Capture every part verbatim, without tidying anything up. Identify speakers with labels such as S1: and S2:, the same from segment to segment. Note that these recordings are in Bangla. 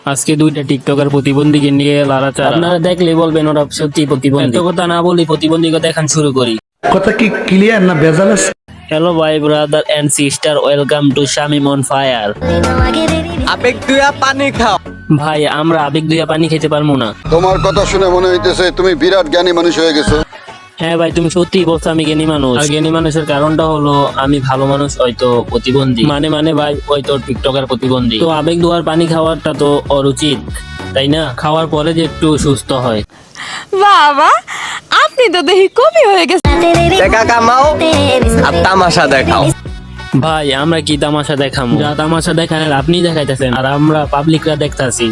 S1: আজকে দুইটা টিকটকার প্রতিবন্ধীকে নিয়ে লাড়াচাড়া। আপনারা দেখলে বলবেন ওরা সত্যি প্রতিবন্ধী। এত কথা না বলি প্রতিবন্ধীকে দেখান শুরু করি।
S2: কথা কি ক্লিয়ার না ভেজাল আছে?
S1: হ্যালো ভাই brother and sister, welcome to Shamim on fire.
S3: আবেগ দুয়া পানি খাও।
S1: ভাই আমরা আবেগ দুইয়া পানি খেতে পারবো না।
S4: তোমার কথা শুনে মনে হইতেছে তুমি বিরাট জ্ঞানী মানুষ হয়ে গেছো।
S1: হ্যাঁ ভাই তুমি সত্যি বলছো আমি জ্ঞানী মানুষ। আর জ্ঞানী মানুষের কারণটা হলো আমি ভালো মানুষ হয়তো প্রতিবন্ধী, মানে মানে ভাই হয়তো টিকটকার প্রতিবন্ধী। তো আবেগ দুয়ার পানি খাওয়াটা তো অনুচিত, তাই না? খাওয়ার পরে যে একটু সুস্থ হয়।
S5: বাবা আপনি তো দেখি কবি হয়ে গেছেন।
S3: টাকা কামাও আর তামাশা দেখাও।
S1: ভাই আমরা কি তামাশা দেখাম? যা তামাশা দেখান আপনি দেখাইতেছেন আর আমরা পাবলিকরা দেখতাছি।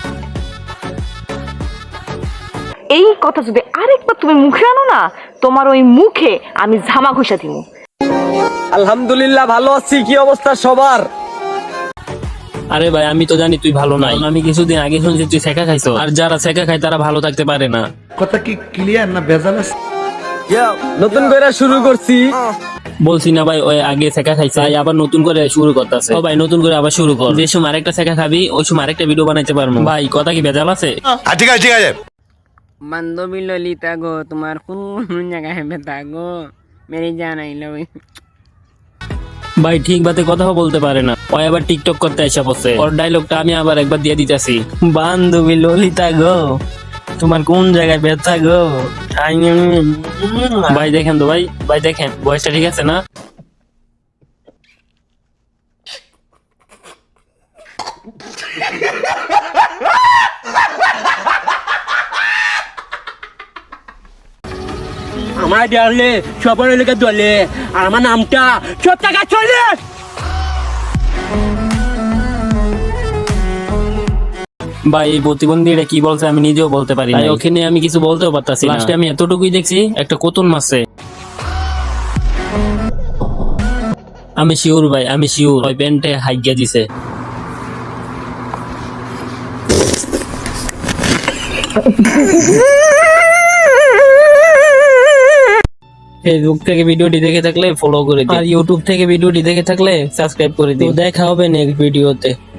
S5: এই কথা যদি আরেকবার তুমি মুখে আনো না, তোমার ওই মুখে আমি ঝামা ঘষা দিব।
S3: আলহামদুলিল্লাহ ভালো আছি, কি অবস্থা সবার?
S1: আরে ভাই আমি তো জানি তুই ভালো নাই। আমি কিছুদিন আগে শুনছি তুই শেখা খাইছো, আর যারা শেখা খায় তারা ভালো থাকতে পারে না।
S2: কথা কি ক্লিয়ার না ভেজাল আছে?
S3: নতুন করে শুরু করছি।
S1: বলছি না ভাই ওই আগে শেখা খাইছে, তাই আবার নতুন করে শুরু করতেছে। ও ভাই নতুন করে আবার শুরু কর। যে সময় আরেকটা শেখা খাবি ওই সময় আরেকটা ভিডিও বানাইতে পারবো। ভাই কথা কি ভেজাল আছে?
S2: ঠিক আছে ঠিক আছে।
S6: বান্ধবী ললিতা গো, তোমার কোন জায়গায় ব্যথা গো, মেরে জানাইল।
S1: ভাই ঠিক বাতে কথা বলতে পারে না, ওই আবার টিকটক করতে এসে বসে। ওর ডায়লগটা আমি আবার একবার দিয়ে দিতেছি। বান্ধবী ললিতা গো, তোমার কোন জায়গায় ব্যথা গো। ভাই দেখেন তো ভাই, ভাই দেখেন বয়সটা ঠিক আছে না?
S6: আমার ডালে সবার এলাকা দলে, আর আমার নামটা সব টাকা চলে।
S1: ভাই এই প্রতিবন্ধীরা কি বলছে আমি নিজেও বলতে পারি না, ওখানে আমি কিছু বলতেও পারতাছি না। লাস্টে আমি এতটুকুই দেখছি একটা কোতুন মারছে। আমি শিওর ভাই, আমি শিওর ওই প্যান্টে হাইগিয়া দিছে। ফেসবুক থেকে ভিডিওটি দেখে থাকলে ফলো করে দিন, আর ইউটিউব থেকে ভিডিওটি দেখে থাকলে সাবস্ক্রাইব করে দিন। দেখা হবে নেক্সট ভিডিওতে।